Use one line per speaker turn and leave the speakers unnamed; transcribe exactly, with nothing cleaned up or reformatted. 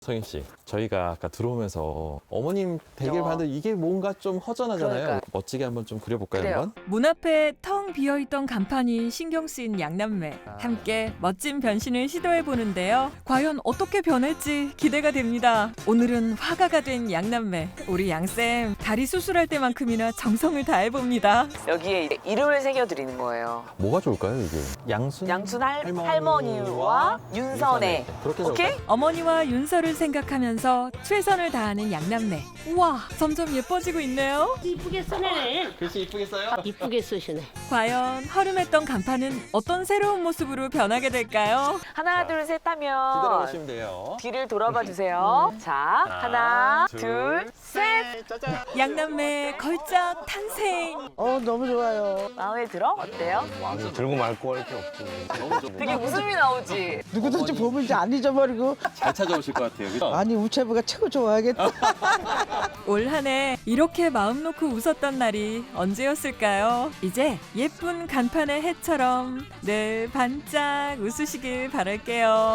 성인 씨, 저희가 아까 들어오면서 어머님 댁을
어.
봤는데 이게 뭔가 좀 허전하잖아요.
그러니까.
멋지게 한번 좀 그려볼까요,
그래요.
한번?
문 앞에 텅 비어있던 간판이 신경 쓰인 양남매. 함께 멋진 변신을 시도해 보는데요. 과연 어떻게 변할지 기대가 됩니다. 오늘은 화가가 된 양남매. 우리 양쌤 다리 수술할 때만큼이나 정성을 다해 봅니다.
여기에 이제 이름을 새겨드리는 거예요.
뭐가 좋을까요, 이게? 양순?
양순 할,
할머니와
할머니와 윤선애.
그렇게
오케이?
적을까요?
어머니와 윤서를 생각하면서 최선을 다하는 양남매. 우와, 점점 예뻐지고 있네요.
이쁘게 써내네.
글씨 이쁘게 써요?
이쁘게 쓰시네.
과연 허름했던 간판은 어떤 새로운 모습으로 변하게 될까요?
하나, 둘, 셋 하면
기다려보시면 돼요.
뒤를 돌아봐 주세요. 자, 하나, 둘, 셋.
짜잔!
양남매 걸작 탄생.
어 너무 좋아요.
마음에 들어? 어때요?
들고 말고 할 게 없지.
너무 좋
되게 웃음이 나오지?
누구든지 보면 이제 안 잊어버리고.
잘 찾아오실 것 같아요, 그죠?
아니 우체부가 최고 좋아하겠다.
올 한 해 이렇게 마음 놓고 웃었던 날이 언제였을까요? 이제 예쁜 간판의 해처럼 늘 반짝 웃으시길 바랄게요.